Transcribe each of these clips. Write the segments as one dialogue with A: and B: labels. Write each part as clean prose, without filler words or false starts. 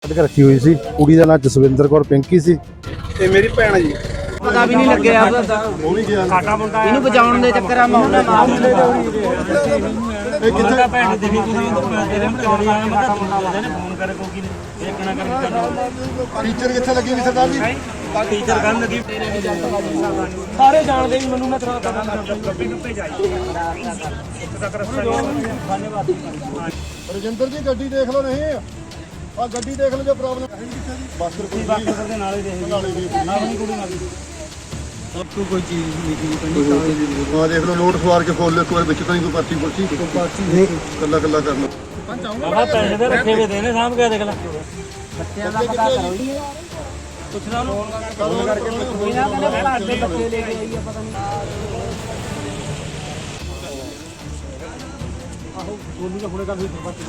A: ਕੱਢ ਕੇ ਰੱਖੀ ਹੋਈ ਸੀ। ਕੁੜੀ ਦਾ ਨਾਂ ਜਸਵਿੰਦਰ ਕੌਰ ਪਿੰਕੀ ਸੀ
B: ਤੇ ਮੇਰੀ ਭੈਣ ਜੀ।
C: ਪਤਾ ਵੀ ਨਹੀਂ ਲੱਗਿਆ
A: ਉਹ ਵੀ ਗਿਆ
C: ਇਹਨੂੰ ਬਚਾਉਣ ਦੇ ਚੱਕਰਾਂ ਮੈਂ ਉਹਨਾਂ ਮਾਰ
A: ਇਹ ਕਿੱਥੇ
D: ਭੈਣ ਦੀ ਵੀ ਤੁਸੀਂ ਤੇਰੇ ਮਟੋਰੀ ਆਇਆ ਮੈਂ ਤਾਂ ਫੋਨ ਕਰੇ ਕੋਈ ਨਹੀਂ ਦੇਖਣਾ ਕਰ
A: ਟੀਚਰ ਕਿੱਥੇ ਲੱਗੀ ਵੀ ਸਰਦਾਰ ਜੀ?
D: ਟੀਚਰ ਕਰਨ ਲੱਗੀ
C: ਸਾਰੇ ਜਾਣਦੇ ਵੀ ਮੈਨੂੰ ਮੈਂ ਤੇਰਾ
D: ਗੱਪੇ ਜਾਈ
A: ਰਜਿੰਦਰ ਜੀ ਗੱਡੀ ਦੇਖ ਲਓ। ਨਹੀਂ ਆ ਗੱਡੀ ਦੇਖ ਲਓ ਜੇ ਪ੍ਰੋਬਲਮ ਬਾਸਕਰ
D: ਦੇ ਨਾਲ ਹੀ ਦੇਖ
A: ਨਾਲੇ ਦੀ
D: ਨਾਲ ਨਹੀਂ ਕੁੜੀ ਨਾਲ
A: ਸਭ ਤੋਂ ਕੋਈ ਚੀਜ਼ ਲਿਖੀ ਪੈਂਦੀ ਆ ਦੇਖ ਲਓ ਨੋਟ ਸਵਾਰ ਕੇ ਖੋਲ ਲਓ ਇੱਕ ਵਾਰ ਵਿੱਚ ਤਾਂ ਨਹੀਂ ਕੋਈ ਪਰਚੀ ਨਹੀਂ ਕੱਲਾ ਕੱਲਾ ਕਰ ਲਓ।
D: ਬਾਬਾ ਪੈਸੇ ਦੇ ਰੱਖੇ ਵੇ ਦੇਣੇ ਸਾਹਮ ਕੇ ਦੇਖ ਲੈ
C: ਬੱਚਿਆਂ ਦਾ ਪਤਾ ਕਰੋ ਜੀ
D: ਪੁੱਛਣਾ ਉਹਨੂੰ
C: ਇਹਨਾਂ ਕਹਿੰਦੇ ਘਰ ਦੇ ਬੱਚੇ ਲੈ ਕੇ ਆਈ ਆ ਪਤਾ ਨਹੀਂ
A: ਆਹੋ ਉਹਨੂੰ ਤਾਂ ਹੁਣੇ ਕਰ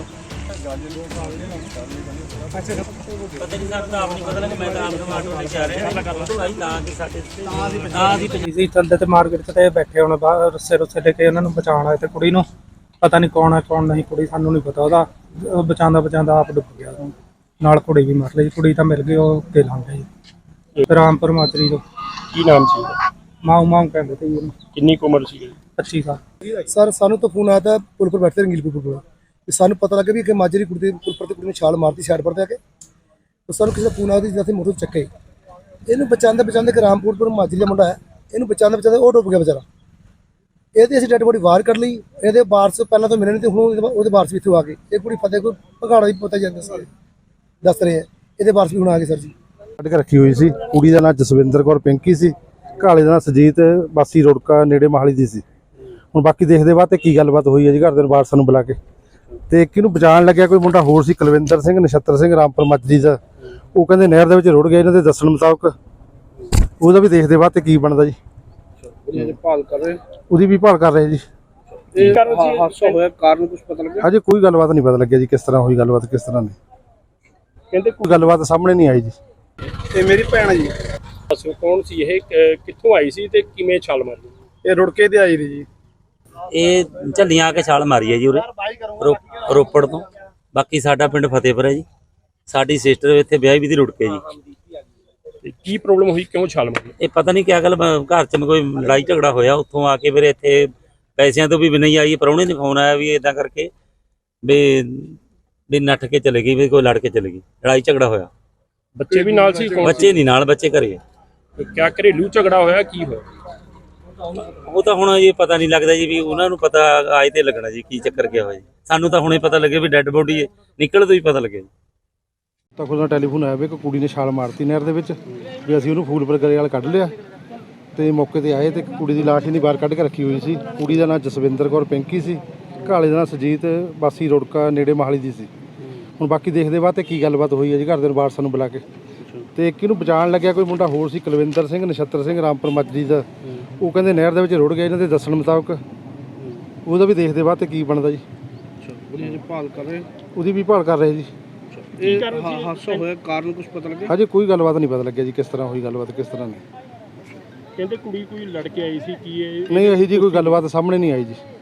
D: ਪਤਾ ਨਹੀਂ ਸਾਡਾ ਆਪ ਨਹੀਂ ਪਤਾ ਲੱਗਾ ਮੈਂ ਤਾਂ ਆਪ ਨੂੰ ਆਟੋ ਲੈ ਕੇ ਆ ਰਿਹਾ ਭਾਈ ਤਾਂ ਕਿ ਸਾਡੇ ਤਾਂ ਦੀ
E: ਸੀ ਥੱਲੇ ਤੇ ਮਾਰਕੀਟ ਤੇ ਬੈਠੇ ਹੁਣ ਬਾਹਰ ਰੱਸੇ ਰੁੱਸੇ ਲੈ ਕੇ ਉਹਨਾਂ ਨੂੰ ਬਚਾਉਣ ਆਏ ਤੇ ਕੁੜੀ ਨੂੰ ਪਤਾ ਨਹੀਂ ਕੌਣ ਹੈ ਕੌਣ ਨਹੀਂ। ਕੁੜੀ ਸਾਨੂੰ ਨਹੀਂ ਪਤਾ ਉਹਦਾ ਬਚਾਉਂਦਾ ਆਪ ਡੁੱਬ ਗਿਆ ਨਾਲ ਕੁੜੀ ਵੀ ਮਰ ਲਈ। ਕੁੜੀ ਤਾਂ ਮਿਲ ਗਈ ਉਹ ਕੇ ਲੰਘ ਗਈ ਰਾਮਪੁਰ ਮਾਤਰੀ ਤੋਂ।
B: ਕੀ ਨਾਮ ਸੀ?
E: ਮਾਊ ਕਹਿੰਦੇ ਤੇ ਉਹਨੂੰ।
B: ਕਿੰਨੀ ਕੁ ਉਮਰ ਸੀ?
E: 25 ਸਾਲ।
F: सर सानू तो फोन आया था पुल पर बैठते रंगील पुल पर तो सानू पता लगा भी कि माजरी कुड़ी पुल पर कुड़ी ने छाल मारती साइड पर आके तो सानू किसी का फोन आया जिसे मोटर चक्के इन्हू बचाते कि रामपुर पर माजरी का मुंडा है इन्हू बचाते वो डुब गया बेचारा। ये असं डेड बॉडी बाहर कढ़ ली। ये वारस पहले तो मिले नहीं तो हूँ वो वारस भी इतों आ गए। ये कुड़ी फतेह को भगाड़ा भी पता जाता दस रहे हैं ये वारस भी हूँ आ गए सर जी।
A: ਕੱਢ ਕੇ ਰੱਖੀ ਹੋਈ ਸੀ। ਕੁੜੀ ਦਾ ਨਾਂ ਜਸਵਿੰਦਰ ਕੌਰ ਪਿੰਕੀ ਸੀ। ਘਾਲੇ ਦਾ ਨਾਂ ਸੁਜੀਤ ਬਾਸੀ ਰੋੜਕਾ ਨੇੜੇ ਮਾਹਲੀ ਦੀ ਸੀ। ਹੁਣ ਬਾਕੀ ਦੇਖਦੇ ਬਾਅਦ ਤੇ ਕੀ ਗੱਲਬਾਤ ਹੋਈ ਹੈ ਜੀ ਘਰ ਦੇ ਵਾਰਸਾਂ ਨੂੰ ਬੁਲਾ ਕੇ ਤੇ ਕਿਹਨੂੰ ਬਚਾਉਣ ਲੱਗਿਆ ਕੋਈ ਮੁੰਡਾ ਹੋਰ ਸੀ ਕੁਲਵਿੰਦਰ ਸਿੰਘ ਨਛੱਤਰ ਸਿੰਘ ਰਾਮਪੁਰ ਮੱਜਰੀ ਦਾ। ਉਹ ਕਹਿੰਦੇ ਨਹਿਰ ਦੇ ਵਿੱਚ ਰੁੜ ਗਿਆ ਇਹਨਾਂ ਦੇ ਦੱਸਣ ਮੁਤਾਬਕ। ਉਹਦਾ ਵੀ ਦੇਖਦੇ ਬਾਅਦ ਤੇ ਕੀ ਬਣਦਾ ਜੀ।
B: ਭਾਲ ਕਰ ਰਹੇ
A: ਉਹਦੀ ਵੀ ਭਾਲ ਕਰ ਰਹੇ ਜੀ।
B: ਇਹ ਹਾਦਸਾ ਹੋਇਆ ਕਾਰਨ ਕੁਝ ਪਤਾ ਲੱਗਿਆ?
A: ਅਜੇ ਕੋਈ ਗੱਲਬਾਤ ਨਹੀਂ ਪਤਾ ਲੱਗਿਆ ਜੀ ਕਿਸ ਤਰ੍ਹਾਂ ਹੋਈ ਗੱਲਬਾਤ ਕਿਸ ਤਰ੍ਹਾਂ ਨਹੀਂ।
B: ਕਹਿੰਦੇ
A: ਕੋਈ ਗੱਲਬਾਤ ਸਾਹਮਣੇ ਨਹੀਂ ਆਈ ਜੀ।
B: ਤੇ ਮੇਰੀ ਭੈਣ ਜੀ। ਦੱਸੋ ਕੌਣ ਸੀ ਇਹ ਕਿੱਥੋਂ ਆਈ ਸੀ ਤੇ ਕਿਵੇਂ ਛਾਲ ਮਾਰੀ? ਇਹ ਰੁੜਕੇ ਤੇ ਆਈ ਜੀ।
D: ਇਹ ਝੱਲੀਆਂ ਆ ਕੇ ਛਾਲ ਮਾਰੀ ਹੈ ਜੀ ਉਰੇ ਰੋਪੜ ਤੋਂ। ਬਾਕੀ ਸਾਡਾ ਪਿੰਡ ਫਤਿਹਪੁਰ ਹੈ ਜੀ। ਸਾਡੀ ਸਿਸਟਰ ਇੱਥੇ ਵਿਆਹੀ ਵੀ ਦੀ ਰੁੜ ਕੇ ਜੀ।
B: ਤੇ ਕੀ ਪ੍ਰੋਬਲਮ ਹੋਈ ਕਿਉਂ ਛਾਲ ਮਾਰੀ?
D: ਇਹ ਪਤਾ ਨਹੀਂ ਕਿਆ ਗੱਲ ਘਰ 'ਚ ਕੋਈ ਲੜਾਈ ਝਗੜਾ ਹੋਇਆ ਉੱਥੋਂ ਆ ਕੇ ਫਿਰ ਇੱਥੇ ਪੈਸਿਆਂ ਤੋਂ ਵੀ ਨਹੀਂ ਆਈ। ਪ੍ਰਾਹੁਣੇ ਨੇ ਫੋਨ ਆਇਆ ਵੀ ਇਦਾਂ ਕਰਕੇ ਵੀ ਨੱਠ ਕੇ ਚਲੇ ਗਈ ਵੀ ਕੋਈ ਲੜ ਕੇ ਚਲੇ ਗਈ ਲੜਾਈ ਝਗੜਾ ਹੋਇਆ।
B: ਬੱਚੇ ਵੀ ਨਾਲ ਸੀ?
D: ਬੱਚੇ ਨਹੀਂ ਨਾਲ ਬੱਚੇ ਘਰੇ।
B: ਕਿਆ ਘਰੇਲੂ ਝਗੜਾ ਹੋਇਆ ਕੀ ਹੋਇਆ?
D: ਉਹ ਤਾਂ ਹੁਣ ਇਹ ਪਤਾ ਨਹੀਂ ਲੱਗਦਾ ਜੀ ਵੀ ਉਹਨਾਂ ਨੂੰ ਪਤਾ ਆਏ ਤੇ ਲੱਗਣਾ ਜੀ ਕੀ ਚੱਕਰ ਗਿਆ ਹੋਇਆ ਜੀ। ਸਾਨੂੰ ਤਾਂ ਹੁਣੇ ਪਤਾ ਲੱਗੇ ਵੀ ਡੈੱਡ ਬੋਡੀ ਨਿਕਲ ਤੋਂ ਹੀ ਪਤਾ ਲੱਗਿਆ ਜੀ।
A: ਤਾਂ ਕੋਲ ਟੈਲੀਫੋਨ ਆਇਆ ਵੀ ਇੱਕ ਕੁੜੀ ਨੇ ਛਾਲ ਮਾਰਤੀ ਨਹਿਰ ਦੇ ਵਿੱਚ ਵੀ ਅਸੀਂ ਉਹਨੂੰ ਫੂਲਪੁਰ ਗਰੇ ਵਾਲ ਕੱਢ ਲਿਆ ਤੇ ਮੌਕੇ ਤੇ ਆਏ ਤੇ ਕੁੜੀ ਦੀ ਲਾਸ਼ ਇਹਦੀ ਬਾਹਰ ਕੱਢ ਕੇ ਰੱਖੀ ਹੋਈ ਸੀ। ਕੁੜੀ ਦਾ ਨਾਂ ਜਸਵਿੰਦਰ ਕੌਰ ਪਿੰਕੀ ਸੀ। ਘਾਲੇ ਦਾ ਨਾਂ ਸੁਜੀਤ ਬਾਸੀ ਰੋੜਕਾ ਨੇੜੇ ਮਾਹਲੀ ਦੀ ਸੀ। ਹੁਣ ਬਾਕੀ ਦੇਖਦੇ ਬਾਅਦ ਤੇ ਕੀ ਗੱਲਬਾਤ ਹੋਈ ਹੈ ਜੀ ਘਰ ਦੇ ਵਾਰਸਾਂ ਨੂੰ ਬੁਲਾ ਕੇ ਤੇ ਕਿਹਨੂੰ ਬਚਾਉਣ ਲੱਗਿਆ ਕੋਈ ਮੁੰਡਾ ਹੋਰ ਸੀ ਕੁਲਵਿੰਦਰ ਸਿੰਘ ਨਛੱਤਰ ਸਿੰਘ ਰਾਮਪੁਰ ਮੱਜਰੀ ਦਾ। ਉਹ ਕਹਿੰਦੇ ਨਹਿਰ ਦੇ ਵਿੱਚ ਰੁੜ ਗਿਆ ਇਹਨਾਂ ਦੇ ਦੱਸਣ ਮੁਤਾਬਕ। ਉਹਦਾ ਵੀ ਦੇਖਦੇ ਬਾਅਦ ਤੇ ਕੀ ਬਣਦਾ ਜੀ।
B: ਉਹਦੀ ਭਾਲ ਕਰ ਰਹੇ
A: ਉਹਦੀ ਵੀ ਭਾਲ ਕਰ ਰਹੇ ਜੀ।
B: ਇਹ ਹਾਦਸਾ ਹੋਇਆ ਕਾਰਨ ਕੁਝ ਪਤਾ ਲੱਗਿਆ?
A: ਅਜੇ ਕੋਈ ਗੱਲਬਾਤ ਨਹੀਂ ਪਤਾ ਲੱਗਿਆ ਜੀ ਕਿਸ ਤਰ੍ਹਾਂ ਹੋਈ ਗੱਲਬਾਤ ਕਿਸ ਤਰ੍ਹਾਂ ਨਹੀਂ।
B: ਕਹਿੰਦੇ ਕੁੜੀ ਕੋਈ ਲੜ ਕੇ ਆਈ ਸੀ ਕੀ ਇਹ?
A: ਨਹੀਂ ਇਹੀ ਜੀ ਕੋਈ ਗੱਲਬਾਤ ਸਾਹਮਣੇ ਨਹੀਂ ਆਈ ਜੀ।